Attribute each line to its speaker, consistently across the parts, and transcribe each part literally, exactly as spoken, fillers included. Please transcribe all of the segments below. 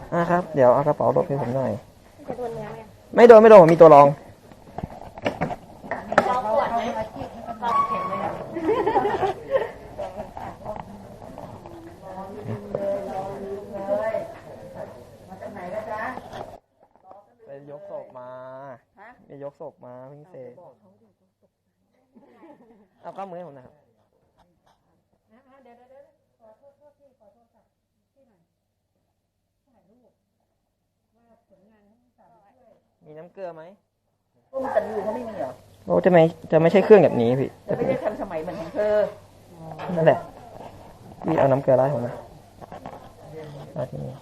Speaker 1: อ่าครับเดี๋ยวเอากระเป๋าลบให้ผมหน่อย
Speaker 2: จะโดนเนื้อไหม
Speaker 1: ไม่โดนไม่โดนผมมีตัวรอง
Speaker 2: เราปวดไหมเราเข็มเลย
Speaker 1: ไปยกศพมาไปยกศพมาเพิ่งเสร็จเอาข้ามมือให้ผมนะครับ
Speaker 2: เดี๋ยวเดี๋ยวขอโทษพี่ขอโทษค่ะพี่หน่อยถ่ายรูปว่าผลงานทั้งสามช่วย
Speaker 1: มีน้ำเกลือไหม
Speaker 3: พวกมันกันอยู่เขาไม่มีเหรอ
Speaker 1: โอ้จะไม่จะไม่ใช่เครื่องแบบนี้พี่
Speaker 3: จะไม่ได้ทันสมัยเหมือนของเธอ
Speaker 1: นั่นแหละพี่เอาน้ำเกลือไล่ผมนะมาที่นี่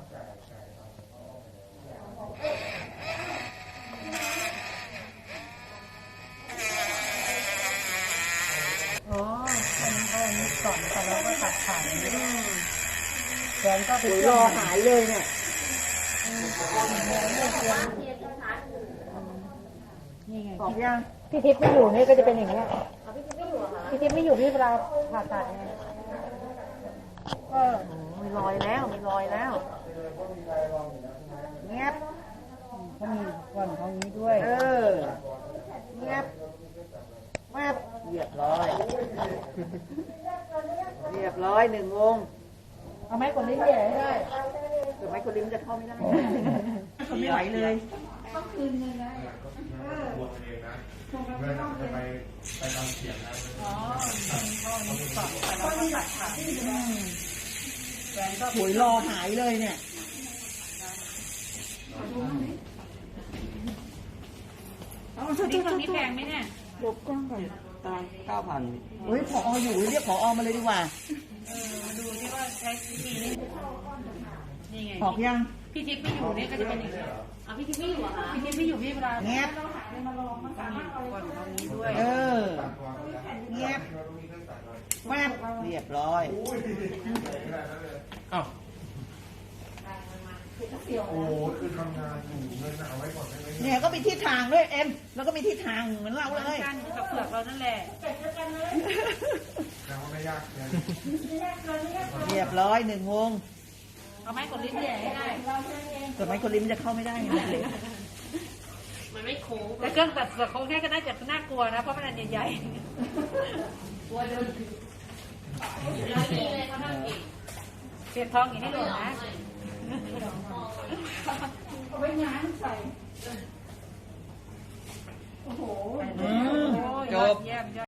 Speaker 2: อ๋ออันนี้เขาอันนี้ก่อนแต่เราก็ตัดขาดแกนก็ไป
Speaker 3: รอหายเลยเนี่ย
Speaker 2: นี่ไง
Speaker 3: บอกยัง
Speaker 2: พี่ทิพย์ไม่อยู่นี่ก็จะเป็นอย่างนี้พี่ทิพย์ไม่อยู่พี่เวลาผ่าตัดไงก็
Speaker 3: มีรอยแล้วมีรอยแล้วเงียบ
Speaker 2: เขามีก่อนเขานี้ด้วย
Speaker 3: เออเงียบแวบเรียบร้อยเรียบร้อยหนึ่งวง
Speaker 2: เอาไม้กดลิ้นใหญ่ให้ได้
Speaker 3: เดี๋ยวไม้กดลิ้นจะเข้าไม่ได้เขาไม่ไหวเลย
Speaker 2: ต้องคืนเงินนะ
Speaker 4: บวชเองนะเมื่อจะไปไปตามเสียงนะ
Speaker 2: อ๋อตอนนี้ก่อนแต่เราก็ตัดขาดแหวนก็
Speaker 3: หวยรอหายเลยเนี่ย
Speaker 2: นี่ตรงนี้แพงไหมเนี่ย
Speaker 3: ลบกล้องก่อน
Speaker 1: ตารางเก้าพัน
Speaker 3: เฮ้ยผออยู่เรียกผอมาเลยดีกว่า
Speaker 2: เออมาดูที่ว่าใช้วิธีนี้นี่ไง
Speaker 3: บอกยัง
Speaker 2: พี่ทิพย์ไม่อยู่เนี่ยก็จะเป็นอย่างนี้อ่ะพี่ทิพย์ไม่อยู่อ่ะพี่ทิพย์ไม่อยู่พี่เวลา
Speaker 3: เงียบ
Speaker 2: มาลองมาสามารถเอาก่อนตรงนี้ด้วย
Speaker 3: เออเงียบแวบเรียบร้อย
Speaker 4: อ้าวโอ้คือทำงานอยู่เงินเอาไว้ก่อนได้ไหม
Speaker 3: เนี่ยก็มีทิศทางด้วยเอ็มแล้วก็มีทิศทางเหมือนเราเลย
Speaker 2: กันกับเผือกเรานั่นแหละ
Speaker 4: แล้วไม่ยากเลย
Speaker 3: เรียบร้อยหนึ่งวง
Speaker 2: เอาไม้กดลิ้นใหญ่ให้ได้
Speaker 3: แต่ไม้กดลิ้นจะเข้าไม่ได้ไง
Speaker 2: มันไม่โค้งแต่เครื่องตัดเสือโค้งแค่ก็น่าจะน่ากลัวนะเพราะมันอันใหญ่ๆกลัวโดนร้อยนี้เลยเขาทำเองเปลี่ยนทองอย่างให้หลวงนะเอาไว้งานใส่โอ้โห
Speaker 3: จบ